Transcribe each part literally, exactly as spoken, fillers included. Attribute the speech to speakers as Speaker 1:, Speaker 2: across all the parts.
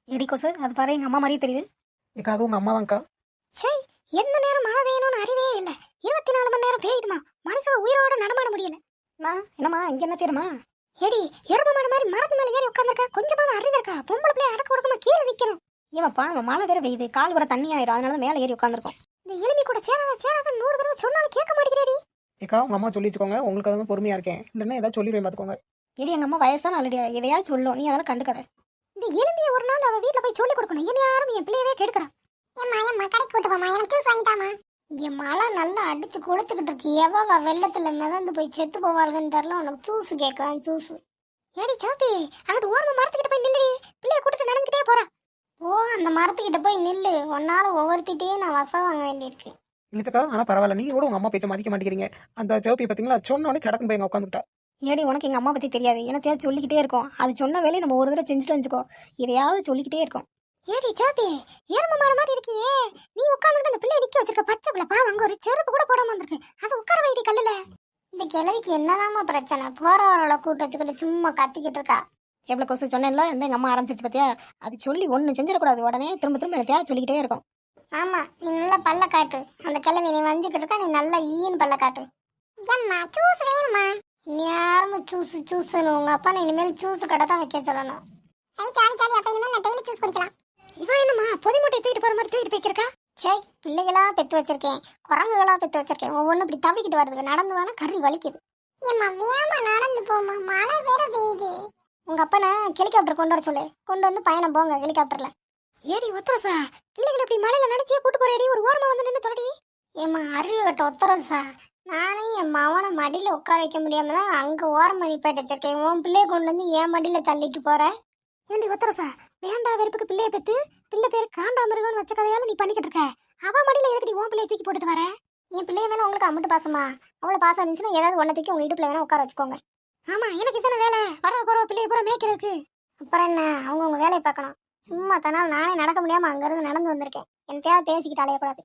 Speaker 1: Eddy கொசு அது பாரு எங்க அம்மா மாதிரியே தெரியுது.
Speaker 2: ஏக்கா அது உங்க அம்மா தான்க்கா.
Speaker 1: சே, எந்த நேரம் மழை பெய்யணும்னு அறிவே இல்லை. இருபத்தி நாலு மணி நேரம் பெய்யுதுமா, மனுஷன் உயிரோட நடமாட முடியல. நான் என்னம்மா இங்க என்ன செய்யறமா? எடி எரும மாடு மாதிரி மரத்து மேல ஏறி உட்காந்துருக்கா, கொஞ்சமாவது அறிவு இருக்கா? பொம்பளை பிள்ளைய அடக்க ஒடுக்கமா கீழே நிக்கணும். ஏமாப்பா நம்ம மழை வேற பெய்யுது, கால் வர தண்ணி ஆயிரும், அதனால மேல ஏறி உட்காந்துருக்கோம். இந்த எலும்பி கூட சேராத சேராத நூறு தடவை சொன்னாலும் கேட்க மாட்டேங்கிறேடி.
Speaker 2: ஏக்கா உங்க அம்மா சொல்லி வச்சுக்கோங்க, உங்களுக்கு வந்து பொறுமையா இருக்கேன், இல்லைன்னா ஏதாவது சொல்லிடுவேன் பார்த்துக்கோங்க.
Speaker 1: எடி எங்க அம்மா வயசான ஆல்ரெடி எதையாவது சொல்லும், நீ அதெல்லாம் கண்டுக்காத. இந்த எலும்பியை ஒரு நாள் அவ வீட்டுல போய் சொல்லி கொடுக்கணும். என்ன யாரும் என் பிள்ளையவே கெடுக்கிறா. ஏம்மா ஏம்மா கடைக்கு கூட்டு போமா, எனக்கு ஜூஸ் வாங்கிட்டாமா. இங்க மழை நல்லா அடிச்சு கொளுத்துக்கிட்டு இருக்கு, எவ வெள்ளத்துல மிதந்து போய் செத்து போவாளுன்னு தெரியல, உனக்கு ஜூஸ் கேட்கலாம் ஜூஸ். ஏடி சாப்பி, அங்கிட்டு ஓரமா மரத்துக்கிட்ட போய் நில்லுடி, பிள்ளைய கூட்டிட்டு நடந்துக்கிட்டே போறா. ஓ அந்த மரத்துக்கிட்ட போய் நில்லு, ஒன்னால ஒவ்வொருத்திட்டே நான் வசம் வாங்க வேண்டியிருக்கு.
Speaker 2: இல்லச்சக்கா ஆனா பரவாயில்ல, நீங்க கூட உங்க அம்மா பேச்ச மதிக்க மாட்டேங்கிறீங்க. அந்த சிவப்பி பாத்தீங்களா, சொன்ன உடனே சடக்குன்னு போய் உட்காந்துட்டா.
Speaker 1: ஏடி உனக்கு எங்க அம்மா பத்தி தெரியாது, எனக்கு சொல்லிக்கிட்டே இருக்கோம். அது சொன்ன வேலையை நம்ம ஒரு தடவை செஞ்சுட்டு வந்துக்கோ, இதையாவது சொல்லிக்கிட்டே இருக்கோம். ஏடி சாப்பி, எரும மாடு மாதிரி இருக்கியே, நீ உட்காந்துட்டு அந்த பிள்ளைய நிக்க வச்சிருக்க, பச்சை பிள்ளை பாவம், அங்க ஒரு செருப்பு கூட போடாம வந்திருக்கு, அது உட்கார வைடி கல்லுல. இந்த கிழவிக்கு என்னதாம்மா பிரச்சனை, போறவரோட கூட்ட வச்சுக்கிட்டு சும்மா கத்திக்கிட்டு இருக்கா. எவ்வளவு கொசு சொன்னேன்ல, இந்த எங்க அம்மா ஆரம்பிச்சிருச்சு பாத்தியா. அது சொல்லி ஒண்ணு செஞ்சிடக்கூடாது, உடனே திரும்ப திரும்ப எனக்கு சொல்லிக்கிட்டே இருக்கும். ஆமா நீ நல்லா பல்ல காட்டு, அந்த கிழவி நீ வஞ்சிக்கிட்டு இருக்கா, நீ நல்லா ஈன்னு பல்ல காட்டு. ஏம்மா ஜூஸ் வேணுமா? நேரமும் ஜூஸ் ஜூஸ்னு உங்க அப்பா நான் இனிமேல் ஜூஸ் கடை தான் வைக்க சொல்லணும். ஐ ஜாலி ஜாலி, அப்ப இனிமேல் நான் டெய்லி ஜூஸ் குடிக்கலாம். இவன் என்னம்மா பொதி மூட்டை தூக்கிட்டு போற மாதிரி தூக்கிட்டு போய்க்கிருக்கா? சே, பிள்ளைகளா பெத்து வச்சிருக்கேன், குரங்குகளா பெத்து வச்சிருக்கேன், ஒவ்வொன்றும் இப்படி தவிக்கிட்டு வருது, நடந்து வேணா கறி வலிக்குது. ஏம்மா வேமா நடந்து போமா, மழை வேற பெய்யுது. உங்க அப்பா நான் ஹெலிகாப்டர் கொண்டு வர சொல்லு, கொண்டு வந்து பயணம் போங்க ஹெலிகாப்டர்ல. ஏடி ஒத்தரசா, பிள்ளைகளை இப்படி மழையில நினைச்சே கூட்டு போறேடி, ஒரு ஓரமா வந்து நின்று தொடடி. ஏம்மா அறிவு கட்ட ஒத்தரசா, நானே என் மவனை மடியில உட்கார வைக்க முடியாம தான் அங்க ஓரம் பண்ணி போயிட்டு வச்சிருக்கேன், உன் பிள்ளைய கொண்டு வந்து என் மடியில தள்ளிட்டு போற. ஏண்டி ஒத்தரசா, வேண்டா வெறுப்புக்கு பிள்ளைய பெத்து பிள்ளை பேர் காண்டாமிருகம்னு வச்ச கதையால நீ பண்ணிக்கிட்டு இருக்க, அவ மடியில எதுக்கடி உன் பிள்ளைய தூக்கி போட்டுட்டு வர? என் பிள்ளைய மேல உங்களுக்கு அம்மட்டு பாசமா? அவ்வளவு பாசம் இருந்துச்சுன்னா ஏதாவது ஒன்ன தூக்கி உங்க இடுப்புல வேணா உட்கார வச்சுக்கோங்க. ஆமா எனக்கு இத்தனை வேலை, வர போற பிள்ளைய பூரா மேய்க்கிறதுக்கு. அப்புறம் என்ன, அவங்க உங்க வேலையை பார்க்கணும். சும்மா தனால் நானே நடக்க முடியாம அங்க இருந்து நடந்து வந்திருக்கேன், என் தேவை பேசிக்கிட்டு அலையக்கூடாது.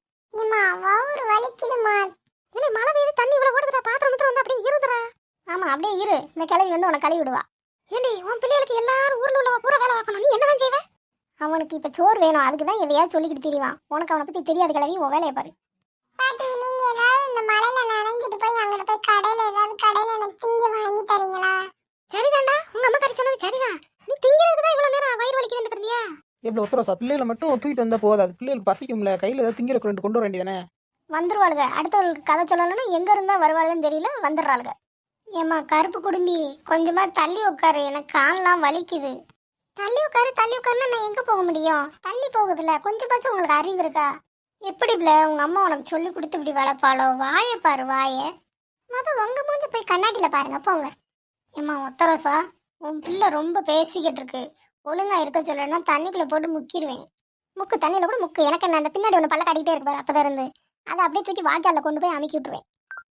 Speaker 1: ஒரு வலிக்குதுமா. இல்லை மழை பெய்யுது, தண்ணி இவ்வளவு ஓடுதுடா, பாத்திரம் மட்டும் வந்து அப்படியே இருந்துடா. ஆமா அப்படியே இரு, இந்த கிளவி வந்து உனக்கு கழுவி விடுவா. ஏண்டி உன் பிள்ளைகளுக்கு எல்லாரும் ஊர்ல உள்ள பூரா வேலை பார்க்கணும், நீ என்னதான் செய்வ? அவனுக்கு இப்ப சோறு வேணும், அதுக்குதான் எதையாவது சொல்லிக்கிட்டு தெரியவான். உனக்கு அவனை பத்தி தெரியாது கிளவி, உன் வேலையை பாரு. பாட்டி நீங்க ஏதாவது இந்த மழையில நனைஞ்சிட்டு போய் அங்கிட்டு போய் கடையில ஏதாவது கடையில எனக்கு திங்க வாங்கி தரீங்களா? சரிதான்டா, உங்க அம்மா கறி சொன்னது சரிதான். நீ திங்கிறதுக்கு தான் இவ்வளவு நேரம் வயிறு வலிக்குதுன்னு இருந்தியா?
Speaker 2: எவ்வளவு ஒத்தரசா, பிள்ளைகளை மட்டும் தூக்கிட்டு வந்தா போதாது, பிள்ளைகளுக்கு பசிக்கும்ல, கையில ஏதாவது திங்கிற ரெண்டு கொண்டு வர வேண்டியதானே. வந்துருவாளுங்க, அடுத்தவங்களுக்கு கதை சொல்லணும்னா எங்க இருந்தா வருவாளுன்னு தெரியல, வந்துடுறாளுங்க. ஏம்மா கருப்பு குடும்பி, கொஞ்சமா தள்ளி உட்காரு, எனக்கு கால்லாம் வலிக்குது. தள்ளி உட்காரு தள்ளி உட்காருன்னா நான் எங்க போக முடியும், தண்ணி போகுதுல, கொஞ்சமாச்சும் உங்களுக்கு அறிவு இருக்கா? எப்படி பிள்ள உங்க அம்மா உனக்கு சொல்லி கொடுத்து இப்படி வளர்ப்பாளோ? வாய பாரு வாய, மொத உங்க மூஞ்சி போய் கண்ணாடியில பாருங்க போங்க. ஏம்மா ஒத்தரசா, உன் பிள்ளை ரொம்ப பேசிக்கிட்டு இருக்கு, ஒழுங்கா இருக்க சொல்லணும்னா தண்ணிக்குள்ள போட்டு முக்கிடுவேன். முக்கு தண்ணியில கூட முக்கு, எனக்கு என்ன அந்த பின்னாடி ஒன்று பல்ல காட்டிகிட்டே இருக்கு பாரு, அப்பதான் இருந்து அதை அப்படியே தூக்கி வாய்க்கால கொண்டு போய் அமைக்கி விட்டுருவேன்.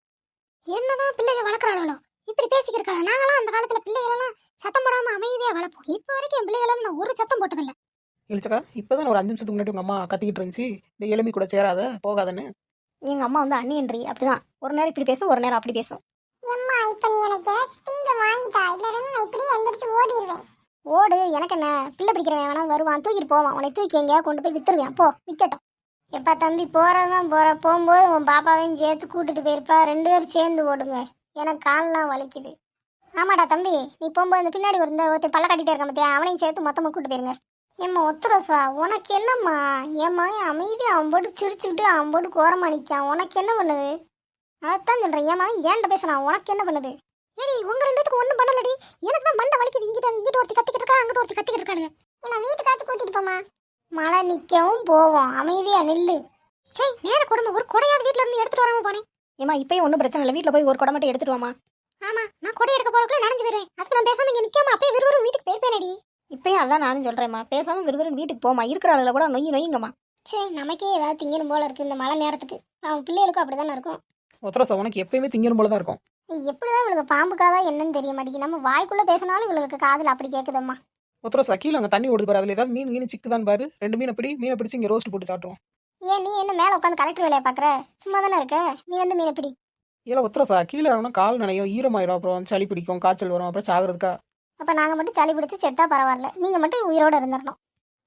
Speaker 2: என்னதான் பிள்ளைங்க வளர்க்குறாங்களோ இப்படி பேசிக்கிருக்காங்க. நாங்களாம் அந்த காலத்துல பிள்ளைகளெல்லாம் சத்தம் போடாம அமைதியா வளர்ப்போம், இப்போ வரைக்கும் என் பிள்ளைகளெல்லாம் நான் ஒரு சத்தம் போட்டதில்லை. இல்லச்சக்கா இப்பதான் ஒரு அஞ்சு நிமிஷத்துக்கு முன்னாடி உங்க அம்மா கத்திக்கிட்டு இருந்துச்சு, இந்த எலும்பி கூட சேராத போகாதன்னு.
Speaker 1: எங்க அம்மா வந்து அண்ணியன்றி அப்படிதான், ஒரு நேரம் இப்படி பேசும் ஒரு நேரம் அப்படி பேசும். அம்மா இப்ப நீ எனக்கு திங்க வாங்கிட்டா, இல்லன்னா நான் இப்படி எந்திரிச்சு ஓடிடுவேன். ஓடு, எனக்கு என்ன, பிள்ளை பிடிக்கிறவன் வேணா வருவான் தூக்கிட்டு போவான், உன்னை தூக்கி எங்கேயா கொண்டு போய் வித்துருவேன், போ விக்கட்டும். எப்பா தம்பி போறதான் போற, போகும்போது உன் பாப்பாவையும் சேர்த்து கூட்டிட்டு போயிருப்பா, ரெண்டு பேரும் சேர்ந்து ஓடுங்க, எனக்கு கால்லாம் வலிக்குது. ஆமாடா தம்பி, நீ போகும்போது இந்த பின்னாடி ஒரு இந்த ஒருத்தர் பல்ல கட்டிட்டே இருக்க மத்தியா, அவனையும் சேர்த்து மொத்தமா கூட்டு போயிருங்க. ஏம்மா ஒத்துரோசா, உனக்கு என்னம்மா? ஏம்மா அமைதி, அவன் போட்டு சிரிச்சுக்கிட்டு அவன் போட்டு கோரமா நிற்கான், உனக்கு என்ன பண்ணுது? அதான் சொல்றேன், ஏமா ஏன்ட பேசுறான், உனக்கு என்ன பண்ணுது? ஏடி உங்க ரெண்டு பேத்துக்கு ஒன்றும் பண்ணலடி, எனக்கு தான் மண்டை வலிக்குது, இங்கிட்ட இங்கிட்ட ஒருத்தி கத்திக்கிட்டு இருக்கா, அங்கிட்ட ஒருத்தி கத்திக்கிட்டு இருக்காங்க. ஏன்னா வீட்டுக்காச்சும் கூட்டிட்டு போமா. மழை நிற்கவும் போவோம், அமைதியா நில்லு. சரி நேர குடும்பம், ஒரு கொடையாவது வீட்டுல இருந்து எடுத்துட்டு வராம போனேன். ஏமா இப்பயும் ஒன்றும் பிரச்சனை இல்லை, வீட்டில் போய் ஒரு கொடை மட்டும் எடுத்துட்டு வாமா. ஆமா நான் கொடை எடுக்க போறதுக்குள்ள நனைஞ்சு போயிடுவேன், அதுக்கு நான் பேசாம இங்க நிக்காம அப்பயே விறுவிறு வீட்டுக்கு போயிருப்பேனடி. இப்பயும் அதான் நானும் சொல்றேம்மா, பேசாம விறுவிறு வீட்டுக்கு போமா, இருக்கிற ஆளுல கூட நொய் நொய்ங்கம்மா. சரி நமக்கே ஏதாவது திங்கணும் போல இருக்கு இந்த மழை நேரத்துக்கு, அவன் பிள்ளைகளுக்கும் அப்படிதானே இருக்கும்.
Speaker 2: ஒத்தரசா உனக்கு எப்பயுமே திங்கணும் போலதான் இருக்கும்.
Speaker 1: எப்படிதான் இவளுக்கு பாம்புக்காதா என்னன்னு தெரிய மாட்டேங்குது, நம்ம வாய்க்குள்ள பேசினாலும் இவளுக்கு காதுல அப்படி கேக்குதம்மா.
Speaker 2: ஒத்தரசா கீழே அங்கே தண்ணி ஓடுது பாரு, அதுல ஏதாவது மீன் மீன் சிக்குதான் பாரு, ரெண்டு மீனை பிடி, மீனை பிடிச்சி இங்கே ரோஸ்ட் போட்டு சாப்பிடுவோம்.
Speaker 1: ஏன் நீ என்ன மேல உட்காந்து கலெக்டர் வேலையை பாக்குற, சும்மா தானே இருக்க, நீ வந்து மீனை பிடி.
Speaker 2: ஏல ஒத்தரசா கீழே இறங்கினா கால் நனையும், ஈரமாயிரும், அப்புறம் சளி பிடிக்கும், காய்ச்சல் வரும், அப்புறம் சாகுறதுக்கா.
Speaker 1: அப்ப நாங்க மட்டும் சளி பிடிச்சு செத்தா பரவாயில்ல, நீங்க மட்டும் உயிரோட இருந்துடணும்.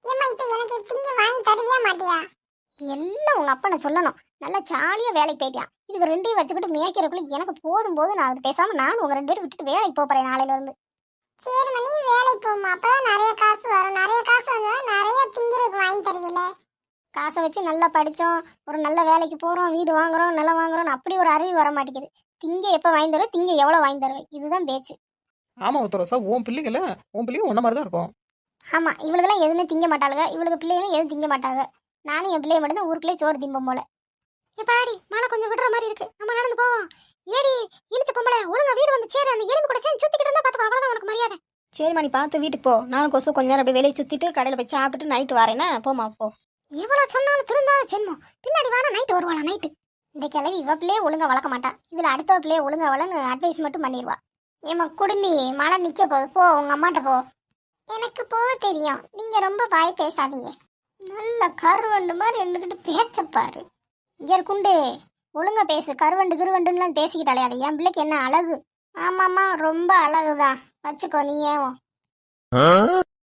Speaker 1: ஏம்மா இப்போ எனக்கு திங்க வாங்கி தருவியா மாட்டியா? எல்லாம் உங்க அப்பனை சொல்லணும். நல்லா ஜாலியா வேலைக்கு போயிட்டியான். இதுக்கு ரெண்டையும் வச்சுக்கிட்டு மேய்க்கிறதுக்குள்ள எனக்கு போதும் போது நான் பேசாம நான் உங்க ரெண்டு பேரும் விட்டுட்டு வேலைக்கு போறேன் நாளையில இருந்து. சரி மணி வேலைக்கு போமா, அப்பதான் நிறைய காசு வரும். நிறைய காசு வந்தா நிறைய திங்கிறதுக்கு வாங்கி தருவீல. காசை வச்சு நல்லா படிச்சோம், ஒரு நல்ல வேலைக்கு போறோம், வீடு வாங்குறோம், நிலம் வாங்குறோம், அப்படி ஒரு அறிவு வர மாட்டேங்குது. திங்க எப்ப வாங்கி தருவேன், திங்க எவ்வளவு வாங்கி தருவேன், இதுதான் பேச்சு.
Speaker 2: ஆமா உத்தரசா, உன் பிள்ளைகள உன் பிள்ளைங்க ஒன்ன மாதிரி தான் இருக்கும்.
Speaker 1: ஆமா, இவளுக்கெல்லாம் எதுவுமே திங்க மாட்டாளுங்க. இவளுக்கு பிள்ளைகளும் எதுவும் திங்க மாட்டாங்க. நானும் என் பிள்ளைய மட்டும் தான் ஊருக்குள்ளே சோறு திம்பம் போல. எப்பாடி மழை கொஞ்சம் விடுற மாதிரி இருக்கு, நம்ம நடந்து போவோம். ஏடி இனிச்ச பொம்பளை, ஒழுங்கா வீடு வந்து சேரு. அந்த எலும்பு கூட சேர்ந்து சுத்திக்கிட்டு இருந்தா பாத்துக்கோ, அவ்வளவுதான் உனக்கு மரியாதை. சரிம்மா, நீ பார்த்து வீட்டுக்கு போ. நான் கொசு கொஞ்ச நேரம் அப்படியே வெளியே சுத்திட்டு கடையில் போய் சாப்பிட்டுட்டு நைட்டு வரேன்னா போமா போ. எவ்வளவு சொன்னாலும் திருந்தாத சென்மம். பின்னாடி வானா நைட்டு வருவாளா நைட்டு. இந்த கிழவி இவ பிள்ளையே ஒழுங்கா வளர்க்க மாட்டா, இதுல அடுத்த பிள்ளைய ஒழுங்கா வளன்னு அட்வைஸ் மட்டும் பண்ணிடுவா. ஏமா குடுமி, மழை நிக்க போகுது, போ உங்க அம்மாட்ட போ. எனக்கு போக தெரியும், நீங்க ரொம்ப வாய் பேசாதீங்க. நல்ல கருவண்டு மாதிரி இருந்துக்கிட்டு பேச்சப்பாரு. இங்க குண்டு, ஒழுங்கா பேசு. கருவண்டு கிருவண்டுலாம் பேசிக்கிட்டாலே அது என் பிள்ளைக்கு என்ன அழகு. ஆமாம்மா, ரொம்ப அழகுதான், வச்சுக்கோ நீ ஏன்